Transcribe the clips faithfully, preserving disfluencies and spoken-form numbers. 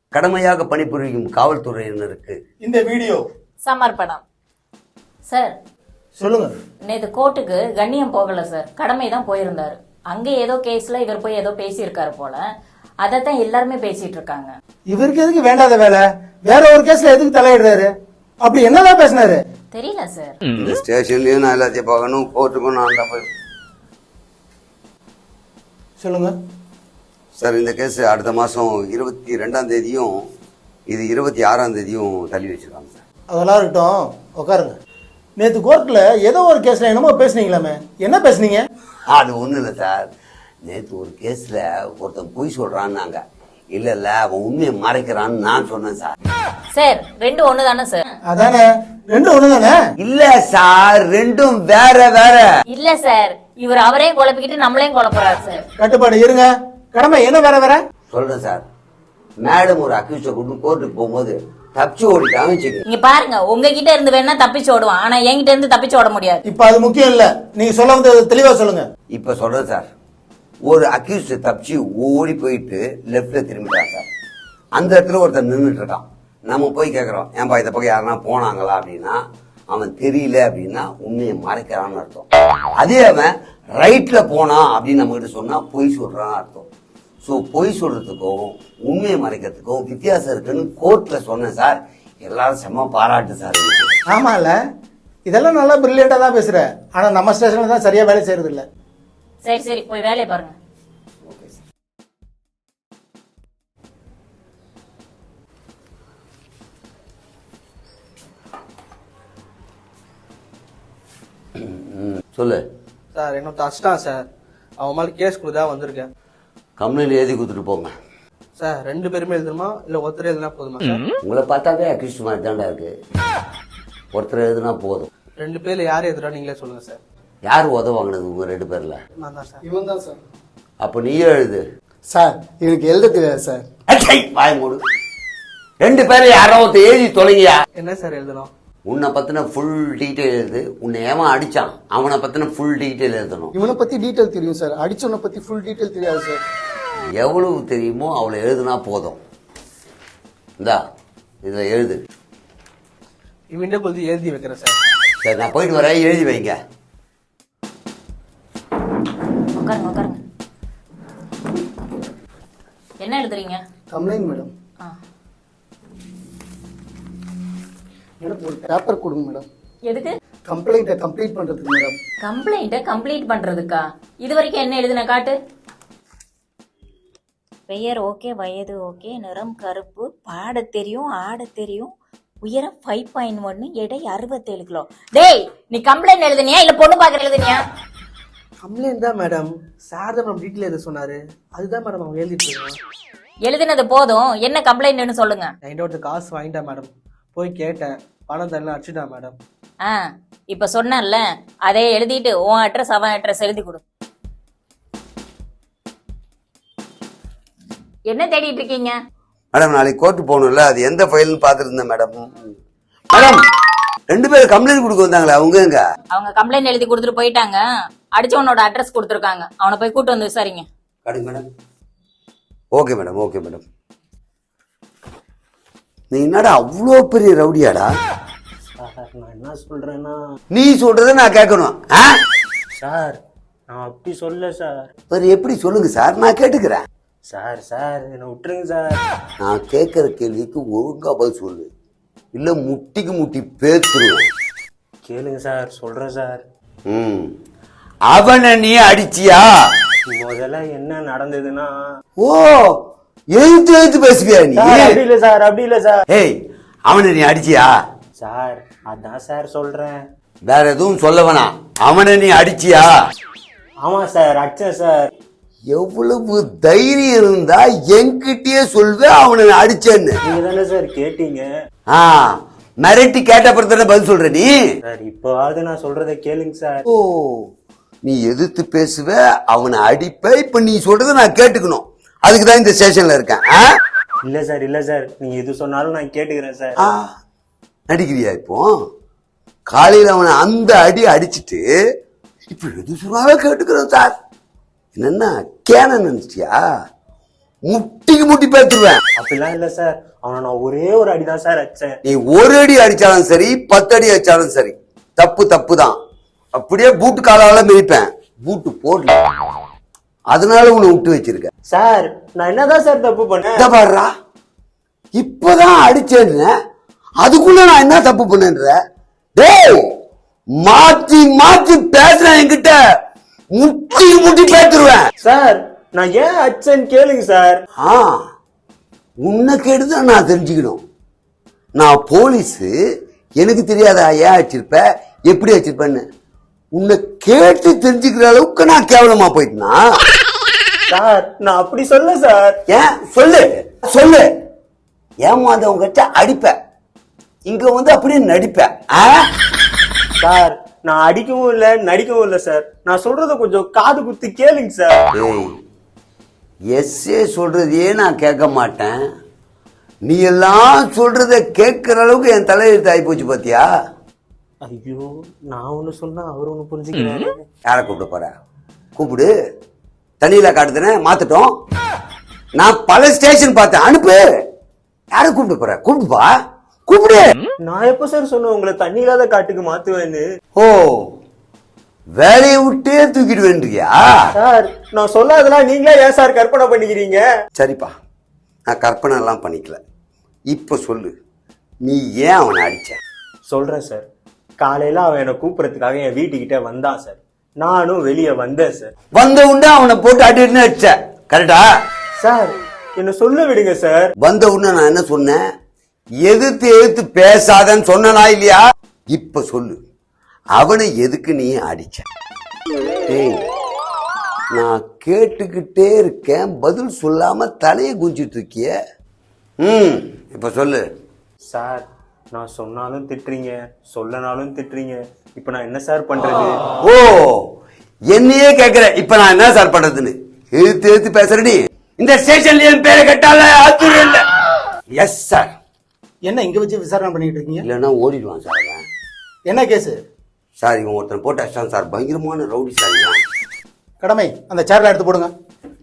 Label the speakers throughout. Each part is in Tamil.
Speaker 1: கடமையாக பணிபுரியும் காவல்துறையினருக்கு
Speaker 2: இந்த வீடியோ
Speaker 3: சமர்ப்பணம். சார்
Speaker 2: சொல்லுங்க.
Speaker 3: நேற்று கோர்ட்டுக்கு கண்ணியம் போகல சார், கடமை தான் போயிருந்தாரு. அங்க ஏதோ கேஸ்ல இவர் போய் ஏதோ பேசியிருக்காரு போல, அதைத்தான் எல்லாருமே பேசிட்டு இருக்காங்க.
Speaker 2: இவருக்கு எதுக்கு வேண்டாத வேலை? வேற ஒரு கேஸ்ல எதுக்கு தலையிடுறாரு? அப்படி என்னதான் பேசினாரு
Speaker 3: தெரியல சார்.
Speaker 1: இந்த ஸ்டேஷன்லயும் நான் எல்லாத்தையும் பார்க்கணும், கோர்ட்டுக்கும் நான் தான் போய்.
Speaker 2: சொல்லுங்க
Speaker 1: சார், இந்த கேஸ் அடுத்த மாசம் இருபத்தி ரெண்டாம் தேதியும் இது இருபத்தி ஆறாம் தேதியும் தள்ளி வச்சிருக்காங்க சார்.
Speaker 2: அதெல்லாம் இருக்கட்டும், உட்காருங்க. நேற்று கோர்ட்ல ஏதோ ஒரு கேஸ்ல என்னமோ பேசுனீங்களாமே, என்ன பேசுனீங்க?
Speaker 1: அது ஒன்றும் இல்லை சார். நேற்று ஒரு கேஸ்ல ஒருத்தன் பொய் சொல்றான்னாங்க. இல்ல இல்ல அவன் உண்மையை மறைக்கிறான்னு நான் சொன்னேன் சார்.
Speaker 3: சார் ரெண்டு ஒண்ணு தானே சார்?
Speaker 2: அதானே, ரெண்டும் ஒண்ணு தானே?
Speaker 1: இல்ல சார், ரெண்டும் வேற வேற.
Speaker 3: இல்ல சார், இவர் அவரையும் குழப்பிக்கிட்டு நம்மளையும் குழப்பறாரு சார்.
Speaker 2: கட்டுப்பாடு இருங்க. கடமை என்ன வேற வேற?
Speaker 1: சொல்றேன் சார். மேடம் ஒரு அக்யூஸ்ட கொண்டு கோர்ட்டுக்கு போகும்போது தப்பிச்சு ஓடிட்டாங்க வச்சுக்க.
Speaker 3: இங்க பாருங்க, உங்ககிட்ட இருந்து வேணா தப்பிச்சு ஓடுவான், ஆனா என்கிட்ட இருந்து தப்பிச்சு ஓட முடியாது.
Speaker 2: இப்ப அது முக்கியம் இல்ல, நீங்க சொல்ல வந்து தெளிவா சொல்லுங்க.
Speaker 1: இப்ப சொல்றேன் சார். ஒரு அக்யூஸ்ட் தப்பிச்சு ஓடி போயிட்டு லெப்ட்ல திரும்பிட்டான் சார். அந்த இடத்துல ஒருத்தர் நின்றுட்டு இருக்கான். நம்ம போய் கேட்கறோம், ஏன்பா இந்த பக்கம் யாருன்னா போனாங்களா அப்படின்னா, அவன் தெரியல அப்படின்னா உண்மையை மறைக்கிறான்னு அர்த்தம். அதே அவன் ரைட்ல போனான் அப்படின்னு நம்ம கிட்ட சொன்னா பொய் சொல்றான்னு அர்த்தம். ஸோ பொய் சொல்றதுக்கும் உண்மையை மறைக்கிறதுக்கும் வித்தியாசம் இருக்குன்னு கோர்ட்ல சொன்னேன் சார். எல்லாரும் செம்ம பாராட்டு சார்.
Speaker 2: ஆமால, இதெல்லாம் நல்லா பிரில்லியண்டா தான் பேசுற. ஆனா நம்ம ஸ்டேஷன்ல தான் சரியா வேலை செய்யறது இல்ல.
Speaker 3: சரி சரி, போய் வேலையை பாருங்க.
Speaker 1: Okay sir. சொல்லு
Speaker 4: சார். என்ன தச்சிட்டான் சார். அவன் மேலே கேஸ் கொடுத்தா வந்திருக்கேன்.
Speaker 1: கம்ப்ளைண்ட் எழுதி கொடுத்துட்டு போங்க
Speaker 4: சார். ரெண்டு பேருமே எழுதணுமா இல்லை ஒருத்தர் எழுதினா போதுமா சார்?
Speaker 1: உங்களை பார்த்தாவே அக்யூஸ்ட் மாதிரி தாண்டா இருக்கு. ஒருத்தர் எழுதுனா போதும்.
Speaker 4: ரெண்டு பேர்ல யார் எழுதுறா நீங்களே சொல்லுங்க சார்.
Speaker 1: யார் உதவாங்கினது உங்க ரெண்டு பேர்ல?
Speaker 4: நான் தான் சார்.
Speaker 2: இவன் தான் சார்.
Speaker 1: அப்ப நீயே எழுது
Speaker 2: சார். எனக்கு எழுத தெரியாது சார்.
Speaker 1: வாய் மூடு. ரெண்டு பேரும் யாராவது எழுதி தொலைங்கயா.
Speaker 4: என்ன சார் எழுதணும்?
Speaker 1: உன்னை பத்தின ஃபுல் டீட்டெயில் எழுது. உன்னை ஏன் அடிச்சான் அவனை பத்தின ஃபுல் டீட்டெயில் எழுதணும்.
Speaker 2: இவனை பத்தி டீடைல் தெரியும் சார், அடிச்சவனை பத்தி ஃபுல் டீடைல் தெரியாது சார்.
Speaker 1: எவ்வளவு தெரியுமோ அவளை எழுதுனா போதும். இந்தா இதுல எழுது.
Speaker 4: இவன்டே கொளுத்தி எழுதி வைக்கிறேன் சார்.
Speaker 1: சரி, நான் போயிட்டு வரேன், எழுதி வைங்க.
Speaker 3: உட்காருங்க உட்காருங்க. என்ன எழுதுறீங்க?
Speaker 2: Complaint madam.
Speaker 3: ஆ.
Speaker 2: மேடம் ஒரு பேப்பர் கொடுங்க மேடம்.
Speaker 3: எதுக்கு?
Speaker 2: கம்ப்ளைண்ட்டை கம்ப்ளீட் பண்றதுக்கு மேடம்.
Speaker 3: கம்ப்ளைண்ட்டை கம்ப்ளீட் பண்றதுக்கா? இது வரைக்கும் என்ன எழுதுன காட்டு. பெயர் ஓகே, வயது ஓகே, நிறம் கருப்பு, பாட தெரியும், ஆட தெரியும், உயரம் ஃபைவ் பாயிண்ட் ஒன்னு, எடை அறுபத்தேழு கிலோ. டேய், நீ கம்ப்ளைண்ட் எழுதுனியா இல்ல பொண்ணு பாக்குற எழுதுனியா?
Speaker 4: கம்ப்ளைண்ட் தான் மேடம். சார் தான் மேடம் டீட்டெயில் எழுத சொன்னாரு. அதுதான் மேடம் அவங்க எழுதிட்டு இருக்காங்க.
Speaker 3: எழுதுனது போதும், என்ன கம்ப்ளைண்ட்னு சொல்லுங்க.
Speaker 4: என்கிட்ட ஒருத்தர் காசு வாங்கிட்டா மேடம். போய் கேட்டேன், பணம் தரலாம் அடிச்சுட்டான் மேடம்.
Speaker 3: ஆ, இப்ப சொன்னேன்ல, அதே எழுதிட்டு உன் அட்ரஸ் அவன் அட்ரஸ் எழுதி கொடு. என்ன தேடிட்டு இருக்கீங்க?
Speaker 1: மேடம் நாளைக்கு கோர்ட்டு போகணும்ல, அது எந்த ஃபைல்னு பார்த்துருந்தேன் மேடம். மேடம் ரெண்டு பேரும் கம்ப்ளைண்ட் கொடுக்க வந்தாங்களே, அவங்க எங்க?
Speaker 3: அவங்க கம்ப்ளைண்ட் எழுதி கொடுத்துட்டு போயிட்டாங்க. அடிச்சவனோட அட்ரஸ் கொடுத்துருக்காங்க, அவனை போய் கூட்டு வந்து விசாரிங்க.
Speaker 1: கடுங்க madam. Okay madam, okay madam. நீ என்னடா அவ்வளோ பெரிய ரவுடியாடா?
Speaker 5: சார் நான் என்ன சொல்றேன்னா,
Speaker 1: நீ சொல்றத நான் கேட்கணும்.
Speaker 5: சார் நான் அப்படி சொல்ல சார்.
Speaker 1: வேற எப்படி சொல்லுங்க சார், நான் கேட்டுக்கிறேன்.
Speaker 5: சார் சார் என்னை விட்டுருங்க சார்.
Speaker 1: நான் கேட்கிற கேள்விக்கு ஒழுங்கா பதில் சொல்லு, இல்ல முட்டிக்கு முட்டி பேத்துருவேன்.
Speaker 5: கேளுங்க சார், சொல்றேன் சார்.
Speaker 1: ம், அவனை நீ அடிச்சியா?
Speaker 5: முதல்ல என்ன நடந்ததுன்னா,
Speaker 1: ஓ, எழுத்து எழுத்து பேசுவியா நீ?
Speaker 5: சார் அப்படி இல்ல சார், அப்படி இல்ல சார்.
Speaker 1: ஏய், அவனை நீ அடிச்சியா?
Speaker 5: சார் அதான் சார் சொல்றேன்.
Speaker 1: வேற எதுவும் சொல்ல வேணாம். அவனை நீ அடிச்சியா?
Speaker 5: ஆமா சார் அடிச்சேன் சார்.
Speaker 1: எவ்வளவு தைரியம் இருந்தா என்கிட்டயே சொல்வேன் அவனை அடிச்சேன்னு.
Speaker 5: நீங்க தானே சார் கேட்டீங்க.
Speaker 1: ஆ, மிரட்டி கேட்ட பிறகு பதில் சொல்ற நீ?
Speaker 5: சார் இப்போவாவது நான் சொல்றதை கேளுங்க சார்.
Speaker 1: ஓ, நீ எதிர்த்து பேசுவ, அவனை அடிப்ப. இப்ப நீ சொல்றத நான் கேட்டுக்கணும். அதுக்குதான் இந்த ஸ்டேஷன்ல இருக்கேன்.
Speaker 5: இல்ல சார், இல்ல சார், நீங்க எது சொன்னாலும் நான் கேட்டுக்கிறேன் சார்.
Speaker 1: நடிக்கிறியா? இப்போ காலையில அவனை அந்த அடி அடிச்சுட்டு இப்ப எது சொன்னாலும் கேட்டுக்கிறேன் சார். என்னன்னா கேன நினைச்சியா? முட்டிக்கு முட்டி பேத்துருவேன்.
Speaker 5: அப்படிலாம் இல்ல சார், அவனை நான் ஒரே ஒரு அடிதான் சார் அடிச்சேன்.
Speaker 1: நீ ஒரு அடி அடிச்சாலும் சரி பத்து அடி அடிச்சாலும் சரி தப்பு தப்பு தான். அப்படியே பூட்டு காலால மிதிப்பேன். பூட்டு போடல, அதனால உன்னை விட்டு வச்சிருக்க.
Speaker 5: சார் நான் என்னதான் சார் தப்பு பண்ணேன்?
Speaker 1: இத பாருடா, இப்பதான் அடிச்சேன்னு அதுக்குள்ள நான் என்ன தப்பு பண்ணேன்ற? டேய், மாத்தி மாத்தி பேசுறேன் என்கிட்ட, முட்டி முட்டி பேத்துருவேன்.
Speaker 5: சார் நான் ஏன் அடிச்சேன்னு கேளுங்க சார்.
Speaker 1: ஆ, உன்னை கேட்டுதான் நான் தெரிஞ்சுக்கணும். நான் போலீஸு, எனக்கு தெரியாதா ஏன் வச்சிருப்ப எப்படி வச்சிருப்பேன்னு? உன்னை கேட்டு தெரிஞ்சுக்கிற அளவுக்கு நான் கேவலமா போயிட்டேனா?
Speaker 5: சார் நான் அப்படி சொல்ல சார்.
Speaker 1: ஏன் சொல்லு சொல்லு. ஏமாந்தவங்க கிட்ட அடிப்ப, இங்க வந்து அப்படியே நடிப்ப. ஆ?
Speaker 5: சார் நான் அடிக்கவும் இல்ல நடிக்கவும் இல்ல சார். நான் சொல்றத கொஞ்சம் காது குத்தி கேளுங்க சார்.
Speaker 1: ஏய், எஸ்ஏ சொல்றதையே நான் கேட்க மாட்டேன். நீ எல்லாம் சொல்றத கேட்கிற அளவுக்கு என் தலையெழுத்து ஆகி போச்சு பாத்தியா?
Speaker 5: ஐயோ, நான் ஒண்ணு சொன்னா அவர் ஒண்ணு புரிஞ்சுக்கிறாரு.
Speaker 1: யாரை கூப்பிட போற? கூப்பிடு. தண்ணியில காட்டுதுன்னு மாத்துட்டோம். நான் பல ஸ்டேஷன் பார்த்தேன், அனுப்பு. யாரை கூப்பிட போற? கூப்பிடுப்பா, கூப்பிடு.
Speaker 5: நான் எப்ப சார் சொன்னேன் உங்களை தண்ணி இல்லாத காட்டுக்கு மாத்துவேன்னு?
Speaker 1: ஓ, வேலையை விட்டே தூக்கிடுவேன்றியா?
Speaker 5: சார் நான் சொல்லாதெல்லாம் நீங்களே ஏன் சார் கற்பனை பண்ணிக்கிறீங்க?
Speaker 1: சரிப்பா, நான் கற்பனை எல்லாம் பண்ணிக்கல. இப்ப சொல்லு, நீ ஏன் அவனை அடிச்ச?
Speaker 5: சொல்றேன் சார். காலையில அவன் என்னை கூப்பிடறதுக்காக என் வீட்டுக்கிட்ட வந்தான் சார். நானும் வெளியே வந்தேன் சார்.
Speaker 1: வந்த உடனே அவனை போட்டு அடின்னு அடிச்ச, கரெக்டா?
Speaker 5: சார் என்ன சொல்ல விடுங்க சார்.
Speaker 1: வந்த உடனே நான் என்ன சொன்னேன்? எதிர்த்து எதிர்த்து பேசாதன்னு சொன்னா இல்லையா? இப்ப சொல்லு, அவனை எதுக்கு நீ அடிச்ச? டேய், நான் கேட்டுக்கிட்டே இருக்கேன், பதில் சொல்லாம தலையை குஞ்சிட்டு இருக்கிய. ம், இப்ப சொல்லு.
Speaker 5: சார் நான் சொன்னாலும் திட்டுறீங்க, சொல்லனாலும் திட்டுறீங்க. இப்ப நான் என்ன சார் பண்றது?
Speaker 1: ஓ, என்னையே கேக்குற இப்ப நான் என்ன சார் பண்றதுன்னு? எழுத்து எழுத்து பேசுறடி. இந்த ஸ்டேஷன்ல என் பேரை கேட்டால ஆச்சரியம் இல்ல. Yes sir.
Speaker 2: என்ன இங்க வச்சு விசாரணை பண்ணிட்டு இருக்கீங்க?
Speaker 1: இல்லைன்னா ஓடிடுவான் சார் அவன்.
Speaker 2: என்ன கேஸ்?
Speaker 1: சார் இவன் ஒருத்தன் போட்டு அடிச்சான் சார், பயங்கரமான ரவுடி சார் இவன்.
Speaker 2: கடமை, அந்த சேர்ல எடுத்து போடுங்க.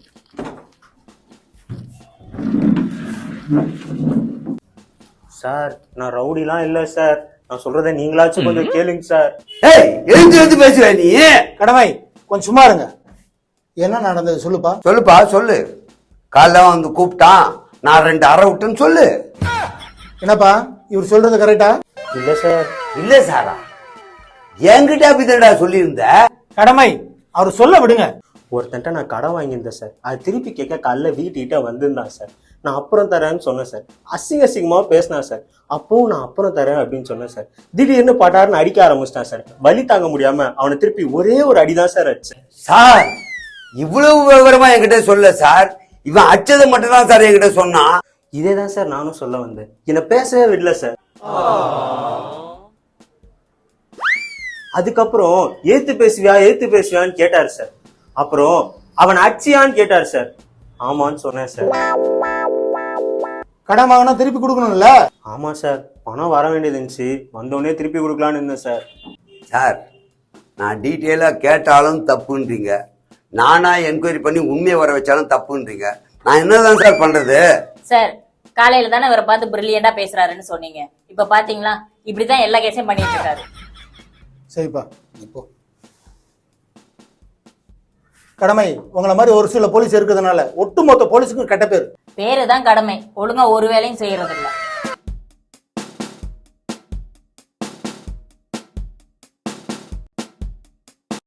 Speaker 5: சார் நான் ரவுடிலாம் இல்ல சார். நான் சொல்றதை நீங்களாச்சும் கொஞ்சம் கேளுங்க சார்.
Speaker 1: ஏய், எழுந்து எழுந்து பேசுற நீ.
Speaker 2: கடமை, கொஞ்சம் சும்மா இருங்க. என்ன நடந்தது சொல்லுப்பா.
Speaker 1: சொல்லுப்பா சொல்லு. காலைல வந்து கூப்பிட்டான், நான் ரெண்டு அரை விட்டுன்னு சொல்லு.
Speaker 2: என்னப்பா இவர் சொல்றது கரெக்டா?
Speaker 5: இல்ல சார்.
Speaker 1: இல்ல சாரா, என்கிட்ட அப்படிதான்டா சொல்லியிருந்த.
Speaker 2: கடமை, அவர் சொல்ல விடுங்க.
Speaker 5: ஒருத்தன்ட்ட நான் கடன் வாங்கியிருந்தேன் சார். அது திருப்பி கேட்க காலைல வீட்டுக்கிட்ட வந்திருந்தான் சார். நான் அப்புறம் தரேன்னு சொன்னேன் சார். அசிங்க அசிங்கமா பேசினா சார். அப்பவும் நான் அப்புறம் தரேன் அப்படின்னு சொன்னேன் சார். திடீர்னு பட்டாருன்னு அடிக்க ஆரம்பிச்சிட்டான் சார். வலி தாங்க முடியாம அவனை திருப்பி ஒரே ஒரு அடிதான் சார் அடிச்சேன்.
Speaker 1: சார் இவ்வளவு விவரமா என்கிட்ட சொல்ல சார். இவன் அச்சதை மட்டும் தான் சார் என்கிட்ட சொன்னான்.
Speaker 5: இதேதான் சார் நானும் சொல்ல வந்தேன். என்னை பேசவே விடல சார். அதுக்கப்புறம் ஏத்து பேசுவியா ஏத்து பேசுவியான்னு கேட்டாரு சார். அப்புறம் அவன் அடிச்சியான்னு கேட்டாரு சார். ஆமான்னு சொன்னேன் சார்.
Speaker 2: கடன் வாங்கினா திருப்பி கொடுக்கணும்ல?
Speaker 5: ஆமா சார், பணம் வர வேண்டியது இருந்துச்சு, வந்தோடனே திருப்பி கொடுக்கலான்னு இருந்தேன் சார்.
Speaker 1: சார் நான் டீட்டெயிலா கேட்டாலும் தப்புன்றீங்க, நானா என்கொயரி பண்ணி உண்மையை வர வச்சாலும் தப்புன்றீங்க. நான் என்னதான் சார் பண்றது?
Speaker 3: சார் காலையில தானே இவரை பார்த்து பிரில்லியண்டா பேசுறாருன்னு சொன்னீங்க. இப்ப பாத்தீங்களா, இப்படிதான் எல்லா கேஸையும் பண்ணிட்டு இருக்காரு.
Speaker 2: சரிப்பா, இப்போ கடமை, உங்களை மாதிரி ஒரு சில போலீஸ் இருக்கிறதுனால ஒட்டுமொத்த போலீஸுக்கும் கெட்ட பேர்.
Speaker 3: பேரு தான் கடமை, ஒழுங்கா ஒரு வேலையும் செய்யறது இல்ல.